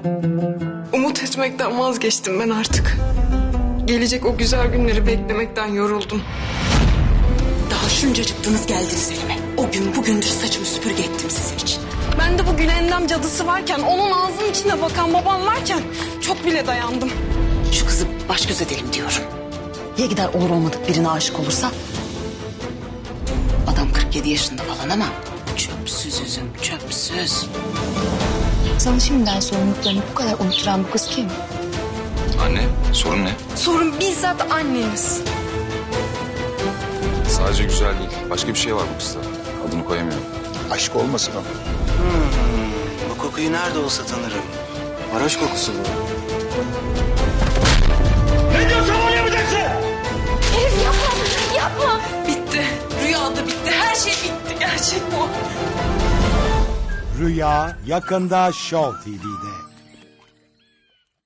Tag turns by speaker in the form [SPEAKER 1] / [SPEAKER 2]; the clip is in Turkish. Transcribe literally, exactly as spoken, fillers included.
[SPEAKER 1] Umut etmekten vazgeçtim ben artık. Gelecek o güzel günleri beklemekten yoruldum.
[SPEAKER 2] Daha şuncacıktınız geldiniz elime. O gün bugündür saçımı süpürge ettim sizin için.
[SPEAKER 1] Ben de bu Gülendam cadısı varken, onun ağzının içine bakan babam varken çok bile dayandım.
[SPEAKER 2] Şu kızı baş göz edelim diyorum. Ya gider olur olmadık birine aşık olursa? Adam kırk yedi yaşında falan ama çöpsüz üzüm, çöpsüz.
[SPEAKER 3] Sana şimdiden sorumluluklarını bu kadar unutturan bu kız kim?
[SPEAKER 4] Anne, sorun ne?
[SPEAKER 1] Sorun bizzat anneniz.
[SPEAKER 4] Sadece güzel değil. Başka bir şey var bu kızda. Adını koyamıyorum.
[SPEAKER 5] Aşk olmasın o.
[SPEAKER 6] Bu kokuyu nerede olsa tanırım. Varoş kokusu bu.
[SPEAKER 1] Bitti. Rüyada bitti. Her şey bitti. Gerçek bu.
[SPEAKER 7] Rüya yakında Show T V'de.